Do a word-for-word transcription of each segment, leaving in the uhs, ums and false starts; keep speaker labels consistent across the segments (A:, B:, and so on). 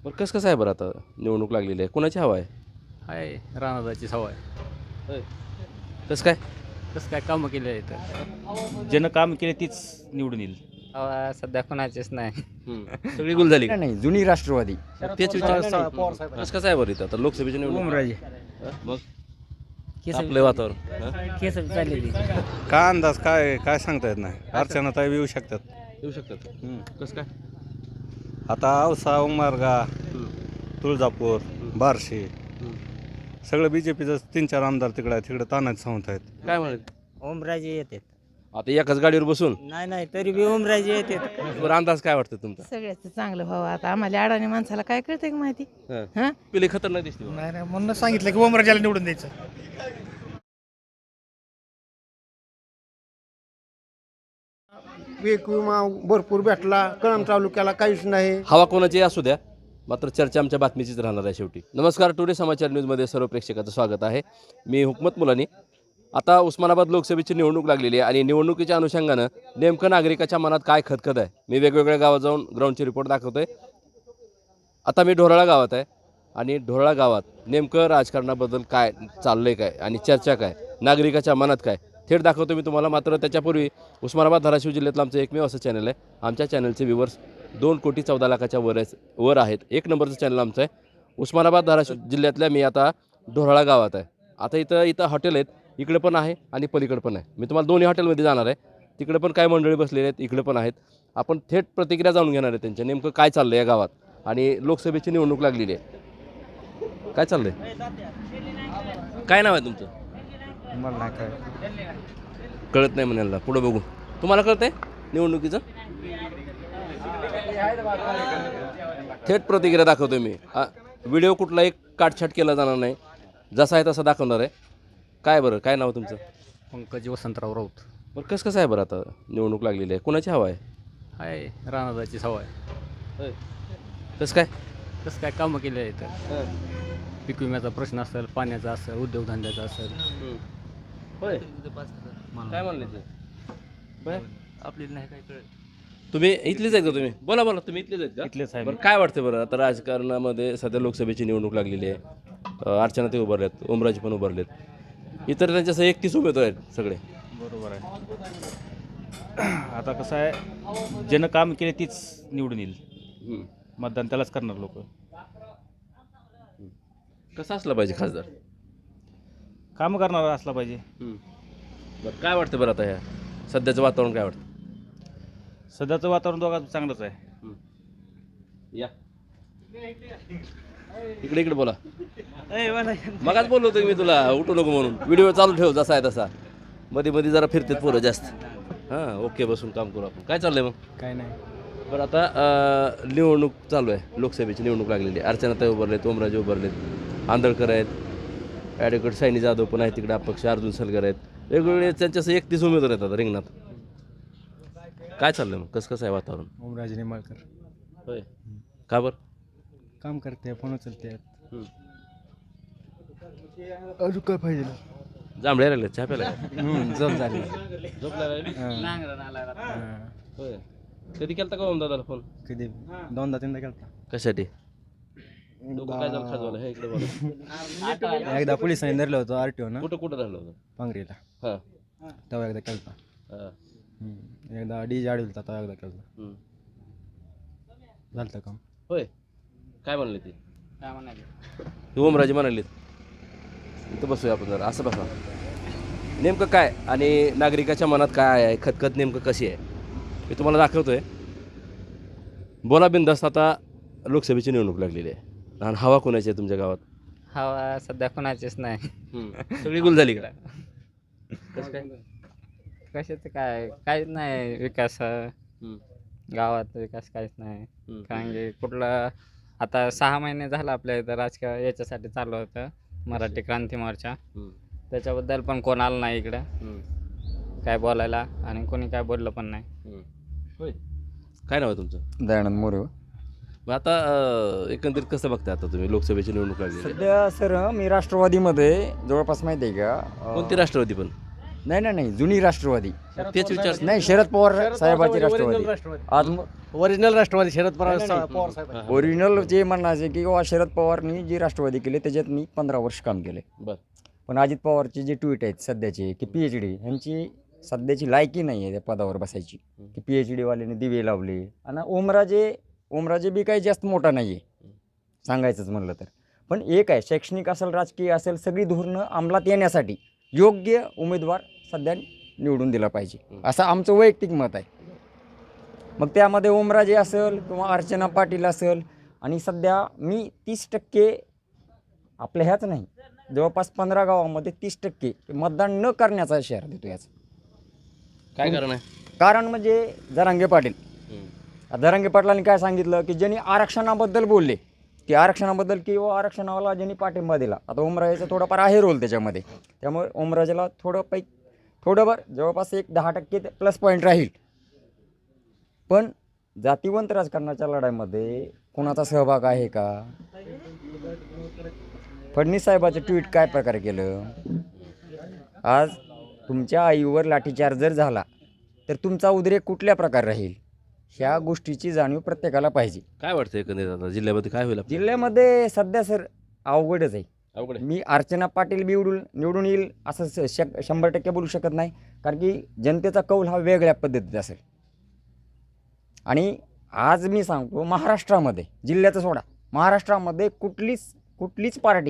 A: बरं कसं कसं आहे बरं आता निवडणूक लागलेली आहे कोणाची हवा आहे?
B: आहे रानाची सवय.
A: कसं काय?
B: कसं काय कामं केली आहे तर
C: ज्यानं काम केले तीच निवडून येईल.
B: हवा सध्या कोणाचीच नाही.
A: हम्म. सगळी गुल झाली का?
D: नाही जुनी राष्ट्रवादी
A: तेच विचार कसं कसं आहे बरं इथं आता लोकसभेची निवडणूक
D: ओमराजे
A: हं? मग आपलं वातावरण हं?
B: केस चाललेली.
E: काय अंदाज काय काय सांगता येत नाही. अर्चना ताई येऊ शकतात.
A: येऊ शकतात कसं काय?
E: आता औसा उमरगा तुळजापूर बार्शी सगळं बी जे पीचं तीन चार आमदार तिकडे आहेत. तिकडे तानाच सांगत आहेत.
A: काय म्हणाल
B: ओमराजे येते.
A: आता एकाच गाडीवर बसून
B: नाही नाही तरी बी ओमराजे येते.
A: बरं अंदाज काय वाटतं तुमचा?
F: सगळ्याच चांगलं व्हावं. आता आम्हाला अडाणी माणसाला काय कळतंय का माहिती?
A: हं.
F: हं?
A: पिली खतरनाक दिसते बा.
G: नाही नाही म्हणून सांगितलं की ओमराजाला निवडून द्यायचं.
H: पीक विमा भरपूर भेटला. कळंब तालुक्याला काहीच नाही.
A: हवा कोणाची असू द्या मात्र चर्चा आमच्या बातमीचीच राहणार आहे शेवटी. नमस्कार, टुडे समाचार न्यूजमध्ये सर्व प्रेक्षकाचं स्वागत आहे. मी हुकमत मुलानी. आता उस्मानाबाद लोकसभेची निवडणूक लागलेली आहे आणि निवडणुकीच्या अनुषंगानं नेमकं नागरिकाच्या मनात काय खतखत आहे मी वेगवेगळ्या गावात जाऊन ग्राउंडची रिपोर्ट दाखवतोय. आता मी ढोराळा गावात आहे आणि ढोराळा गावात नेमकं राजकारणाबद्दल काय चाललं आहे काय आणि चर्चा काय नागरिकाच्या मनात काय थेट दाखवतो मी तुम्हाला. मात्र त्याच्यापूर्वी उस्मानाबाद धाराशिव जिल्ह्यातलं आमचं एकमेव असं चॅनल आहे. आमच्या चॅनलचे व्ह्यूवर्स दोन कोटी चौदा लाखाच्या वर वर आहेत. एक नंबरचं चॅनल आमचं आहे. उस्मानाबाद धाराशिव जिल्ह्यातल्या मी आता ढोराळा गावात आहे. आता इथं इथं हॉटेल आहेत. इकडे पण आहे आणि पलीकडे पण आहे. मी तुम्हाला दोन्ही हॉटेलमध्ये जाणार आहे. तिकडे पण काय मंडळी बसलेले आहेत, इकडे पण आहेत. आपण थेट प्रतिक्रिया जाणून घेणार आहे त्यांच्या नेमकं काय चाललं आहे या गावात. आणि लोकसभेची निवडणूक लागलेली आहे. काय चाललंय? काय नाव आहे तुमचं?
D: मला नाही काय
A: कळत नाही म्हणायला. पुढं बघू. तुम्हाला कळत आहे निवडणुकीचं? थेट प्रतिक्रिया दाखवतोय मी. व्हिडिओ कुठलाही काटछाट केला जाणार नाही. जसा आहे तसा दाखवणार आहे. काय बरं काय नाव तुमचं?
B: पंकज वसंतराव राऊत.
A: बरं कसं कसं आहे बरं आता निवडणूक लागलेली आहे कोणाची हवा आहे?
B: आहे रानाची सवय.
A: कसं काय?
B: कसं काय कामं केली आहे तर पीक विम्याचा प्रश्न असेल, पाण्याचा असेल, उद्योगधंद्याचा असेल.
A: होय काय म्हणले ते? बरं
B: आपल्याला नाही काय कळत.
A: तुम्ही इथलेच आहेत का तुम्ही? बोला बोला तुम्ही इथलेच आहेत का?
C: इथलेच आहे.
A: बरं काय वाटतं बरं आता राजकारणामध्ये सध्या लोकसभेची निवडणूक लागलेली आहे. अं, अर्चना ते उभारलेत, ओमराजे पण उभारलेत, इतर त्यांच्यासह एकतीस उमेदवार आहेत सगळे.
C: बरोबर आहे. आता कसं आहे ज्यानं काम केले तीच निवडून येईल.
A: हम्म.
C: मतदान त्यालाच करणार लोक.
A: कसं असलं पाहिजे खासदार?
C: काम करणारा असला पाहिजे.
A: बरं काय वाटतं बरं आता ह्या सध्याचं वातावरण काय वाटतं?
C: सध्याचं वातावरण दोघांचं चांगलंच आहे.
A: या इकडे इकडे बोला. मगाच बोललो होतो की मी तुला उठू नको म्हणून. व्हिडिओ चालू ठेव जसा आहे तसा. मध्ये मध्ये जरा फिरतेत पोरं जास्त. हां ओके बसून काम करू आपण. काय चाललंय मग?
D: काय नाही.
A: बरं आता अं, निवडणूक चालू आहे. लोकसभेची निवडणूक लागलेली आहे. अर्चनाताई उभारलेत, ओमराजे उभारलेत, आंदळकर आहेत, ॲडव्होकेट सायनी जाधव पण आहेत तिकडे, अपक्ष अर्जुन सलगर आहेत. वेगवेगळे त्यांच्यासह एकतीस उमेदवार आहेत आता रिंगणात. काय चाललंय मग कसं कसं आहे वातावरण?
D: ओमराजे निंबाळकर
A: होय का बरं?
D: काम करते, फोन उचलते. अजून काय पाहिजे?
A: जांभळ्या राहिलेत चहा प्यायला?
D: झोप झाली.
A: झोप लागली? होय कधी केलता का ओम दादाला फोन?
D: कधी दोनदा तीनदा केलता.
A: कशासाठी? डोकं काय झालं खाजवायला? हे इकडे बघा.
D: एकदा पोलिसांनी धरलं होतं आरटीओ ना
A: कुठं कुठं राहिलं होतं?
D: पांगरीला.
A: हां
D: तेव्हा एकदा केलता.
A: हां
D: एकदा डी जे आडविलता तेव्हा एकदा केलता.
A: हम्म.
D: झालं काम.
A: होय काय म्हणले ते?
B: काय म्हणाले?
A: ओमराजे म्हणाले इथं बसूया आपण जरा. असं बसा. नेमकं काय आणि नागरिकाच्या मनात काय आहे खतखत नेमकं कशी आहे मी तुम्हाला दाखवतोय. बोला बिंदास्त. आता लोकसभेची निवडणूक लागलेली आहे आणि हवा कोणाची आहे तुमच्या गावात?
B: हवा सध्या कोणाचीच नाही.
A: सगळी गुल झाली का? कसं काय?
B: कशाचं काय काहीच नाही विकास. गावात विकास काहीच नाही. कारण की कुठलं आता सहा महिने झालं आपल्या इथं राजकीय याच्यासाठी चालू होतं मराठी क्रांती मोर्चा. त्याच्याबद्दल पण कोण आलं नाही इकडं काय बोलायला आणि कोणी काय बोललं पण नाही.
A: होय काय नाव आहे तुमचं?
D: दयानंद मोरे.
A: मग आता अं, एकंदरीत कसं बघताय आता तुम्ही लोकसभेची निवडणूक लागली?
D: सध्या सर मी राष्ट्रवादीमध्ये जवळपास माहिती आहे का?
A: कोणती राष्ट्रवादी पण?
I: नाही नाही नाही जुनी राष्ट्रवादी
A: तेच विचार
I: नाही शरद पवार साहेबाची राष्ट्रवादी आज
D: ओरिजिनल राष्ट्रवादी शरद पवार पवार साहेब
I: ओरिजिनल जे म्हणायचे की बाबा शरद पवारनी जी राष्ट्रवादी केली त्याच्यात मी पंधरा वर्ष काम केले
A: बर
I: पण अजित पवारचे जे ट्विट आहेत सध्याचे की पी एच डी ह्यांची सध्याची लायकी नाही आहे त्या पदावर बसायची की पी एच डीवाल्याने दिवे लावले आणि ओमराजे ओमराजे बी काही जास्त मोठा नाही आहे सांगायचंच म्हणलं तर पण एक आहे शैक्षणिक असेल राजकीय असेल सगळी धोरणं अंमलात येण्यासाठी योग्य उमेदवार सध्या निवडून दिला पाहिजे असं आमचं वैयक्तिक मत आहे मग त्यामध्ये ओमराजे असेल किंवा अर्चना पाटील असेल आणि सध्या मी तीस टक्के आपल्या ह्याच नाही जवळपास पंधरा गावामध्ये तीस टक्के मतदान न करण्याचा इशारा देतो याचा
A: काय कारण आहे
I: कारण म्हणजे जरांगे पाटील जरांगे पाटलांनी काय सांगितलं की ज्यांनी आरक्षणाबद्दल बोलले की आरक्षणाबद्दल किंवा आरक्षणाला ज्यांनी पाठिंबा दिला आता ओमराजेचा थोडाफार आहे रोल त्याच्यामध्ये त्यामुळे ओमराजेला थोडं पै थोडंफार जवळपास एक दहा टक्के प्लस पॉईंट राहील पण जातीवंत राजकारणाच्या लढाईमध्ये कोणाचा सहभाग आहे का फडणवीस साहेबाचं ट्विट काय प्रकारे केलं आज तुमच्या आईवर लाठीचार्ज जर झाला तर तुमचा उद्रेक कुठल्या प्रकारे राहील ह्या गोष्टीची जाणीव प्रत्येकाला पाहिजे
A: काय वाटतं एकंदरीत आता जिल्ह्यामध्ये काय होईल आपल्या?
I: जिल्ह्यामध्ये सध्या सर अवघडच आहे
A: अवघड आहे.
I: मी अर्चना पाटील निवडून निवडून येईल असं स- शक शंभर टक्के बोलू शकत नाही कारण की जनतेचा कौल हा वेगळ्या पद्धतीचा असेल आणि आज मी सांगतो महाराष्ट्रामध्ये जिल्ह्याचं सोडा महाराष्ट्रामध्ये कुठलीच कुठलीच पार्टी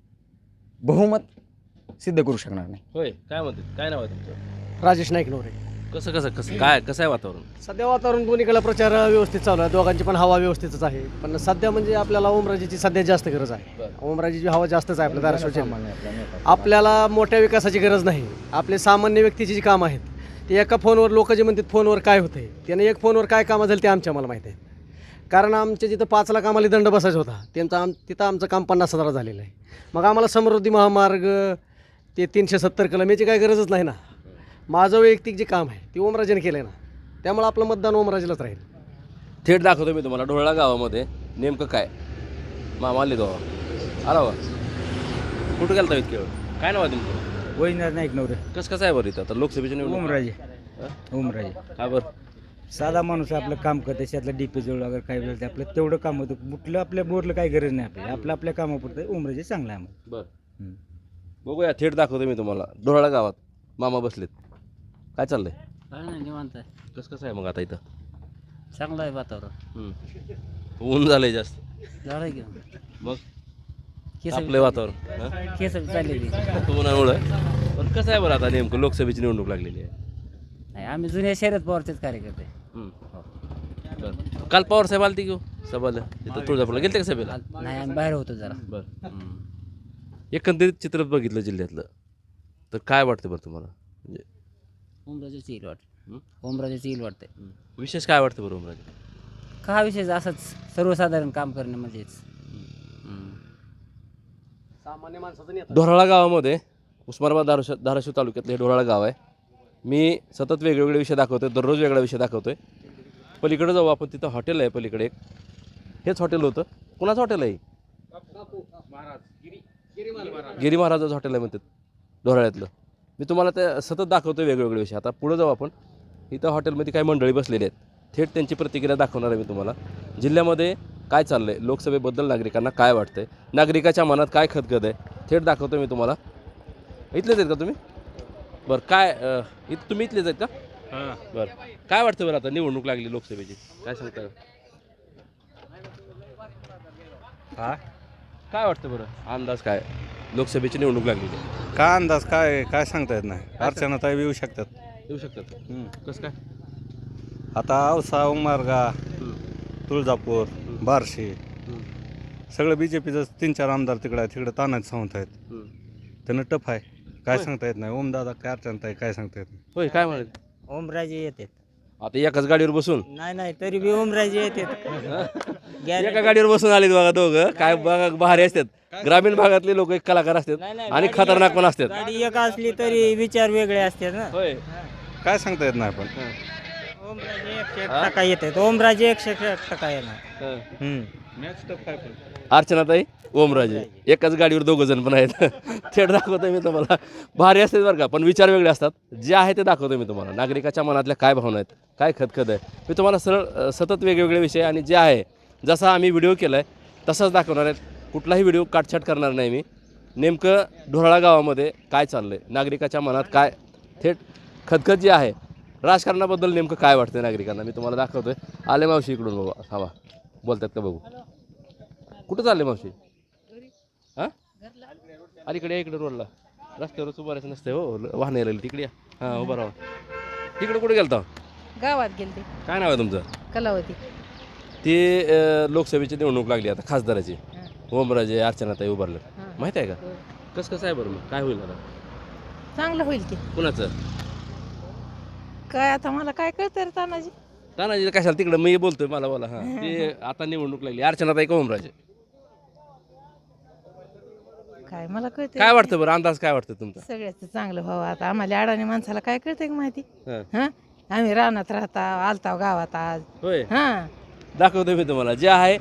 I: बहुमत सिद्ध करू शकणार नाही
A: होय काय म्हणते काय नाव आहे तुमचं
D: राजेश नाईक नवरे
A: कसं कसं कसं काय कसं आहे वातावरण
D: सध्या वातावरण दोन्हीकडे प्रचार व्यवस्थित चालू आहे दोघांची पण हवा व्यवस्थितच आहे पण सध्या म्हणजे आपल्याला ओमराजेची सध्या जास्त गरज आहे
A: बरं.
D: ओमराजेची हवा जास्तच आहे आपल्या धाराशिवच्या आपल्याला मोठ्या विकासाची गरज नाही आपले सामान्य व्यक्तीची जी कामं आहेत ते एका फोनवर लोक जे म्हणतात फोनवर काय होतंय त्याने एक फोनवर काय कामं झाली ते आमच्या मला माहीत आहे कारण आमच्या जिथं पाच लाख आम्हाला दंड बसायचा होता त्यांचं आम तिथं आमचं काम पन्नास हजार झालेलं आहे मग आम्हाला समृद्धी महामार्ग ते तीनशे सत्तर कलम याची काही गरजच नाही ना माझं वैयक्तिक जे काम आहे ते ओमराजेने केलं आहे ना त्यामुळे आपलं मतदान ओमराजेलाच राहील
A: थेट दाखवतो मी तुम्हाला ढोळा गावामध्ये नेमकं काय मामा आले गावा आला वा कुठं गेलता इतके वेळ काय नाव आहे तुमचं
C: वैजनाथ नाईक नवरे
A: कसं कसं आहे बरं इथं आता लोकसभेची निवडणूक
C: ओमराजे
A: हं?
C: ओमराजे
A: काय बरं
C: साधा माणूस आपलं काम करते त्यातलं डीपी जवळ वगैरे काय वेळ आपलं तेवढं काम होतं कुठलं आपल्या बोरलं काही गरज नाही आपल्याला आपलं आपल्या कामापुरतं ओमराजे चांगलं आहे आम्हाला
A: बरं
C: हं.
A: बघूया थेट दाखवतो मी तुम्हाला ढोळा गावात मामा बसलेत काय चाललंय
B: काय नाही निवांत आहे
A: कसं कसं आहे मग आता इथं
B: चांगलं आहे वातावरण
A: हं. ऊन झालंय जास्त
B: झालं की
A: मग आपलं वातावरण हं?
B: केस चाललेली
A: उन्हामुळं पण कसं आहे बरं आता नेमकं लोकसभेची निवडणूक लागलेली आहे
B: नाही आम्ही जुन्या शरद पवारचेच कार्यकर्ते
A: हं. बरं काल पवार साहेब आलते घेऊ सभाला तिथं तुळजापूरला गेलते का सभेला
B: नाही आम्ही बाहेर होतो जरा
A: बरं हं. एकंदरीत चित्र बघितलं जिल्ह्यातलं तर काय वाटतं बरं तुम्हाला म्हणजे
B: ओमराजेची येईल
A: हं?
B: वाटतं ओमराजेची येईल वाटते
A: हं. विशेष काय वाटतं बरं ओमराजे
B: का विशेष असंच सर्वसाधारण काम करणं म्हणजेच
D: सामान्य माणसाचं
A: ढोराळा गावामध्ये उस्मानाबाद धाराशिव धाराशिव तालुक्यातलं हे ढोराळा गाव आहे मी सतत वेगवेगळे विषय दाखवतोय दररोज वेगळा विषय दाखवतोय पलीकडे जाऊ आपण तिथं हॉटेल आहे पलीकडे एक हेच हॉटेल होतं कुणाचं हॉटेल आहे गिरी महाराजाचं हॉटेल आहे म्हणतात ढोराळ्यातलं मी तुम्हाला ते सतत दाखवतोय वेगवेगळे विषय आता पुढे जाऊ आपण इथं हॉटेलमध्ये काही मंडळी बसलेली आहेत थेट त्यांची प्रतिक्रिया दाखवणार आहे मी तुम्हाला जिल्ह्यामध्ये काय चाललं आहे लोकसभेबद्दल नागरिकांना काय वाटतंय नागरिकाच्या मनात काय खदखद आहे थेट दाखवतो मी तुम्हाला इथलेच आहेत का तुम्ही बरं काय अं, इथं तुम्ही इथलेच आहेत का बरं काय वाटतं बरं आता निवडणूक लागली लोकसभेची काय सांगता
E: हा
A: काय वाटतं बरं अंदाज काय लोकसभेची निवडणूक लागलेली आहे
E: काय अंदाज काय काय सांगता येत नाही अर्चना ताई येऊ शकतात
A: येऊ शकतात
E: हं.
A: कसं काय
E: आता औसा उमारगा तुळजापूर बार्शी सगळं बी जे पीचं तीन चार आमदार तिकडं आहेत तिकडं तानाच सावंत आहेत
A: हं.
E: त्यांना टफ आहे काय
A: होय.
E: सांगता येत नाही ओमदादा काय अर्चना ताई काय सांगता येत नाही
A: होय काय म्हणाले
B: ओमराजे येतात
A: आता एकाच गाडीवर बसून
B: नाही नाही तरी बी ओमराजे येतात
A: एका गाडीवर बसून आलेत बघा दोघं काय बघा भारी असतात ग्रामीण भागातले लोक एक कलाकार असतात आणि खतरनाक पण असतात
B: गाडी एक असली तरी विचार वेगळे असतात ना
A: होय
E: काय सांगता येत नाही पण
B: ओमराजे एकशे एक टक्का येतात ओमराजे एकशे एक टक्का येणार
A: हं. अर्चनाताई ओमराजे एकाच गाडीवर दोघं जण पण आहेत. थेट दाखवतो मी तुम्हाला. भारी असते बरं का, पण विचार वेगळे असतात. जे आहे ते दाखवतो मी तुम्हाला. नागरिकाच्या मनातल्या काय भावना आहेत, काय खतखत आहे, मी तुम्हाला सरळ अ, सतत वेगवेगळे विषय आणि जे आहे जसा आम्ही व्हिडिओ केला आहे तसाच दाखवणार आहेत. कुठलाही व्हिडिओ काटछाट करणार नाही मी. नेमकं ढोराळा गावामध्ये काय चाललं आहे, नागरिकाच्या मनात काय थेट खतखत जी आहे, राजकारणाबद्दल नेमकं काय वाटतं नागरिकांना मी तुम्हाला दाखवतो आहे. आले मावशी इकडून बाबा, थांबा बोलतात का बघू. कुठं चालले मावशी? हां अलीकडे या, इकडे रोडला रस्त्यावरच उभारायचं नसतं हो, वाहन यायला तिकडे या. हां उभा राहा. तिकडे कुठे गेलता?
F: गावात गेलते
A: काय नाव आहे तुमचं?
F: कलावती.
A: ते अ, लोकसभेची निवडणूक लागली आता खासदाराची. ओमराजे अर्चनाताई उभारले, माहिती आहे का? कसं कसं आहे बरं मग काय होईल आता?
F: चांगलं होईल की.
A: कुणाचं?
F: काय आता मला काय कळतं रे तानाजी.
A: तानाजी कशाला तिकडं मी बोलतोय, मला बोला. हां ते आता निवडणूक लागली, अर्चनाताई का ओमराजे?
F: काय मला कळतं
A: काय वाटतं बरं, अंदाज काय वाटतं तुमचा?
F: सगळ्याच चांगलं व्हावं. आता आम्हाला अडाणी माणसाला काय कळतंय का माहिती.
A: हां.
F: हा आम्ही रानात राहता आलताव गावात आज.
A: होय
F: हा
A: दाखवतो मी तुम्हाला जे आहे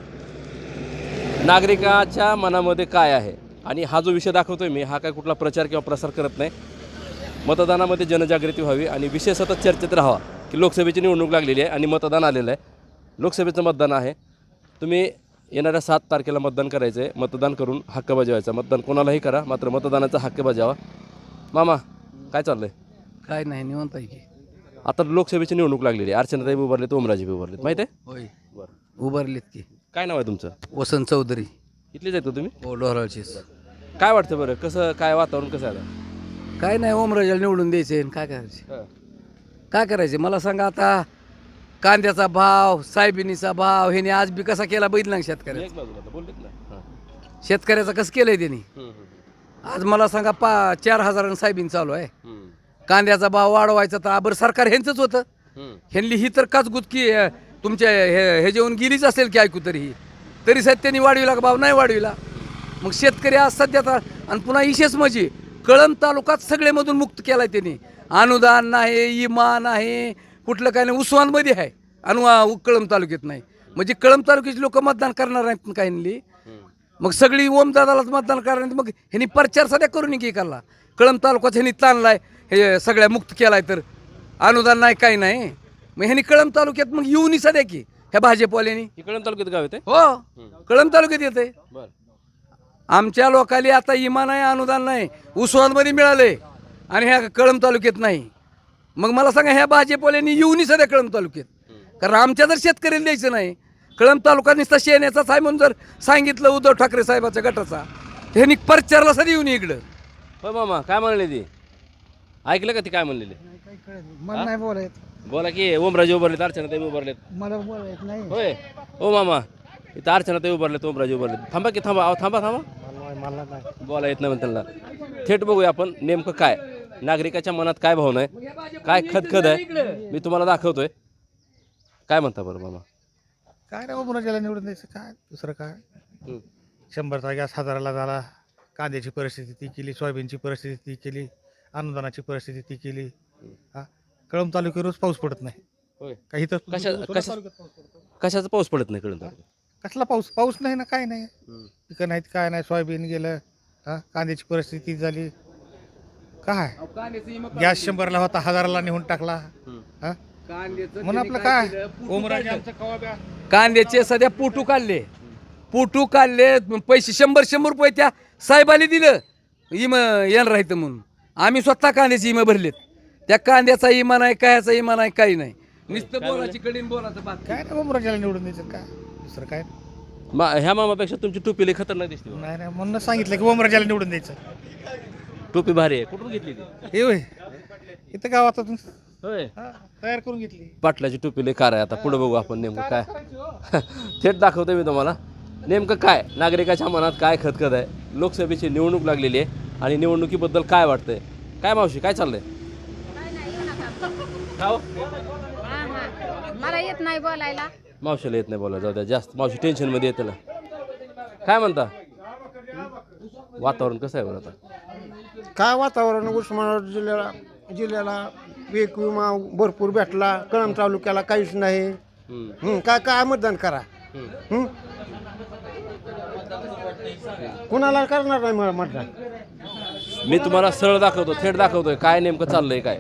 A: नागरिकाच्या मनामध्ये काय आहे. आणि हा जो विषय दाखवतोय मी, हा काय कुठला प्रचार किंवा प्रसार करत नाही. मतदानामध्ये जनजागृती व्हावी आणि विषय सतत चर्चेत राहावा की लोकसभेची निवडणूक लागलेली आहे आणि मतदान आलेलं आहे. लोकसभेचं मतदान आहे. तुम्ही येणाऱ्या सात तारखेला मतदान करायचं आहे. मतदान करून हक्क बजावायचा. मतदान कोणालाही करा, मात्र मतदानाचा हक्क बजावा. मामा काय चाललंय?
J: काय नाही निवंत आहे की.
A: आता लोकसभेची निवडणूक लागलेली आहे. अर्चनाताई उभारलेत, ओमराजे उभारलेत, माहिती आहे?
J: होय
A: बरं.
J: उभारलेत की.
A: काय नाव आहे तुमचं?
J: वसंत चौधरी.
A: इथलेच आहेत का तुम्ही?
J: हो डोहराळचीच.
A: काय वाटतं बरं, कसं काय वातावरण कसं आहे आता?
J: काय नाही ओमराजाला निवडून द्यायचे आणि काय करायचे.
A: हां.
J: काय करायचे मला सांगा आता. कांद्याचा भाव, सायबिनीचा भाव ह्याने आज बी कसा केला बघितला शेतकऱ्याचा.
A: एक बाजूला आता बोललेत ना. हां.
J: शेतकऱ्याचा कसं केलंय त्यांनी.
A: हम्म, हम्म,
J: आज मला सांगा पा चार हजारानं सायबीन चालू आहे.
A: हम्म,
J: कांद्याचा भाव वाढवायचा तर आबर सरकार ह्यांचंच होतं.
A: हम्म.
J: ह्यांनी ही तर काच गुतकी अं, तुमच्या हे हे जेवण गेलीच असेल की ऐकू तरी ही तरी साहेब त्यांनी वाढविला का भाव नाही वाढविला. मग शेतकरी आज सध्या तर आणि पुन्हा विशेष म्हणजे कळंब तालुक्यात सगळेमधून मुक्त केलाय त्यांनी. अनुदान नाही, इमा नाही, कुठलं काय नाही. उस्मानमध्ये आहे अनु कळंब तालुक्यात नाही. म्हणजे कळंब तालुक्याची लोक मतदान करणार नाहीत काही. मग सगळी ओमदादालाच मतदान करणार. मग ह्यांनी प्रचार सध्या करून की करला. कळंब तालुक्यात ह्यांनी ताणलाय, हे सगळ्या मुक्त केलाय तर अनुदान नाही काही नाही. मग ह्यांनी कळंब तालुक्यात मग येऊन सध्या की ह्या भाजपवाल्यांनी.
A: इकडं तालुक्यात गाव येते.
J: हो कळंब तालुक्यात येते.
A: बरं.
J: आमच्या लोकांनी आता इमा नाही, अनुदान नाही, उस्मानमध्ये मिळाले आणि ह्या कळंब तालुक्यात नाही. मग मला सांगा ह्या भाजपवाल्यांनी येऊन सध्या कळंब तालुक्यात. कारण आमच्या जर शेतकऱ्याला द्यायचं नाही, कळंब तालुका नुसता शेण्याचाच आहे म्हणून जर सांगितलं उद्धव ठाकरे साहेबाच्या गटाचा, ह्यांनी प्रचारला सध्या येऊन इकडं.
A: होय मामा काय म्हणले ती? ऐकलं का ती काय म्हणलेली?
C: मला नाही बोलायचं.
A: बोला की. ओमराजे उभारलेत, अर्चनाताई उभारलेत.
C: मला बोलायचं नाही.
A: होय ओ मामा, इथं अर्चनाताई उभारलेत, ओमराजे उभारलेत. थांबा की थांबा, अहो थांबा थांबा. बोला येत नाही त्यांना. थेट बघूया आपण नेमकं काय नागरिकाच्या मनात काय भावना आहे, काय खदखद आहे, मी तुम्हाला दाखवतोय. काय म्हणता बरं मामा?
G: काय नाही ओमराजाला निवडून द्यायचं, काय दुसरं काय.
A: हं.
G: शंभरचा गॅस हजाराला झाला. कांद्याची परिस्थिती ती केली, सोयाबीनची परिस्थिती ती केली, अनुदानाची परिस्थिती ती केली. हा कळंब तालुक्यात रोज पाऊस पडत नाही.
A: होय.
G: काही तर
A: कशा कशा कशाचा पाऊस पडत नाही कळून?
G: कसला पाऊस पाऊस नाही ना, काय नाही.
A: हं.
G: पिकं नाहीत, काय नाही. सोयाबीन गेलं. हा कांद्याची परिस्थिती झाली. काय गॅस शंभरला होता, हजाराला नेऊन टाकला. हा म्हणून आपलं काय ओमराजे आमचं कवा ब्या
J: कांद्याचे सध्या पोटू काढले, पोटू काढले पैसे शंभर शंभर रुपये त्या साहेबाला दिलं इम येणार राहतं म्हणून. आम्ही स्वतः कांद्याची इमा भरलेत. त्या कांद्याचा इमा नाही, कायाचा इमा नाही, काही नाही. नुसतं बोलाची कडीन बोलाचं बात.
G: काय नाही ओमराजाला निवडून द्यायचं, काय दुसरं काय
A: मा ह्या मामापेक्षा तुमची टोपी लई खतरनाक दिसते बा.
G: नाही. नाही म्हणून सांगितलं की ओमराजाला निवडून द्यायचं.
A: टोपी भारी आहे. कुठून घेतली ती?
G: हे होय इथं गावात
A: होय.
G: तयार करून घेतली.
A: पाटलाची टोपी लई कार आहे. आता पुढे बघू आपण नेमकं काय. थेट दाखवतोय मी तुम्हाला नेमकं काय नागरिकाच्या मनात काय खतखत आहे. लोकसभेची निवडणूक लागलेली आहे आणि निवडणुकीबद्दल काय वाटतंय. काय मावशी काय चाललंय? खाओ.
F: मला येत नाही बोलायला.
A: मावशीला येत नाही बोला, जाऊ द्या. जास्त मावशी टेन्शन मध्ये येते ना. काय म्हणता वातावरण कसं आहे बरं आता?
H: काय वातावरण उस्मानाबाद जिल्ह्याला जिल्ह्याला पीक विमा भरपूर भेटला. कळंब तालुक्याला काहीच नाही.
A: हम्म,
H: हं, काय काय मतदान करा.
A: हम्म.
H: हं? कुणाला करणार नाही म- मतदान
A: मी तुम्हाला सरळ दाखवतो, थेट दाखवतोय काय नेमकं चाललंय काय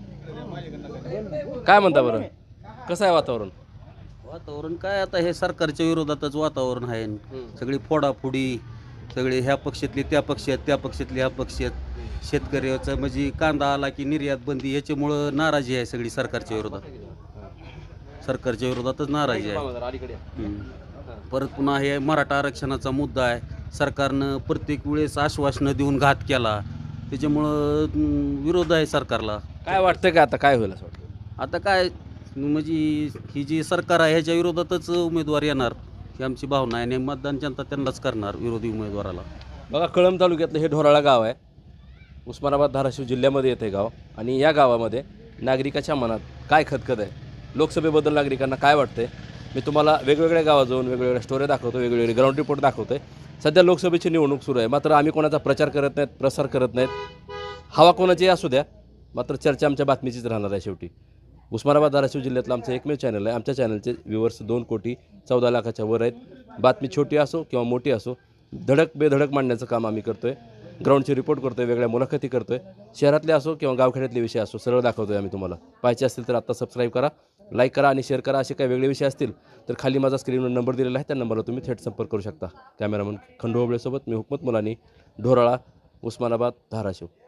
A: काय म्हणता बरं, कसं आहे वातावरण?
K: वातावरण काय आता हे सरकारच्या विरोधातच वातावरण आहे. सगळी फोडाफोडी, सगळे ह्या पक्षातले त्या पक्षात, त्या पक्षातले ह्या पक्षात. शेतकऱ्याचं म्हणजे कांदा आला की निर्यात बंदी, याच्यामुळं नाराजी आहे सगळी सरकारच्या विरोधात. सरकारच्या विरोधातच नाराजी आहे. हम्म. परत पुन्हा हे मराठा आरक्षणाचा मुद्दा आहे. सरकारनं प्रत्येक वेळेस आश्वासनं देऊन घात केला, त्याच्यामुळं हम्म, विरोध आहे सरकारला.
A: काय वाटतंय का आता काय होईल असं वाटतं?
K: आता काय म्हणजे ही जी सरकार आहे ह्याच्या विरोधातच उमेदवार येणार ही आमची भावना आहे आणि मतदान जनता त्यांनाच करणार, विरोधी उमेदवाराला.
A: बघा, कळंब तालुक्यातलं हे ढोराळा गाव आहे, उस्मानाबाद धाराशिव जिल्ह्यामध्ये येते गाव. आणि या गावामध्ये नागरिकाच्या मनात काय खतखत आहे, लोकसभेबद्दल नागरिकांना काय वाटतंय, मी तुम्हाला वेगवेगळ्या गावात जाऊन वेगवेगळ्या स्टोऱ्या दाखवतो, वेगवेगळे ग्राउंड रिपोर्ट दाखवतोय. सध्या लोकसभेची निवडणूक सुरू आहे, मात्र आम्ही कोणाचा प्रचार करत नाहीत, प्रसार करत नाहीत. हवा कोणाची असू द्या, मात्र चर्चा आमच्या बातमीचीच राहणार आहे. शेवटी उस्मानाबाद धाराशिव जिल्ह्यातलं आमचं एकमेव चॅनल आहे. आमच्या चॅनलचे व्ह्यूवर्स दोन कोटी चौदा लाखाच्या वर आहेत. बातमी छोटी असो किंवा मोठी असो, धडक बेधडक मांडण्याचं काम आम्ही करतोय. ग्राउंडची रिपोर्ट करतोय, वेगळ्या मुलाखती करतोय, शहरातले असो किंवा गावखेड्यातले विषय असो, सरळ दाखवतोय आम्ही तुम्हाला. पाहिजे असतील तर आत्ता सबस्क्राईब करा, लाईक करा आणि शेअर करा. असे काही वेगळे विषय असतील तर खाली माझा स्क्रीनवर नंबर दिलेला आहे, त्या नंबरला तुम्ही थेट संपर्क करू शकता. कॅमेरामन खंडू होबळेसोबत मी हुकमत मुलानी, ढोराळा, उस्मानाबाद, धाराशिव.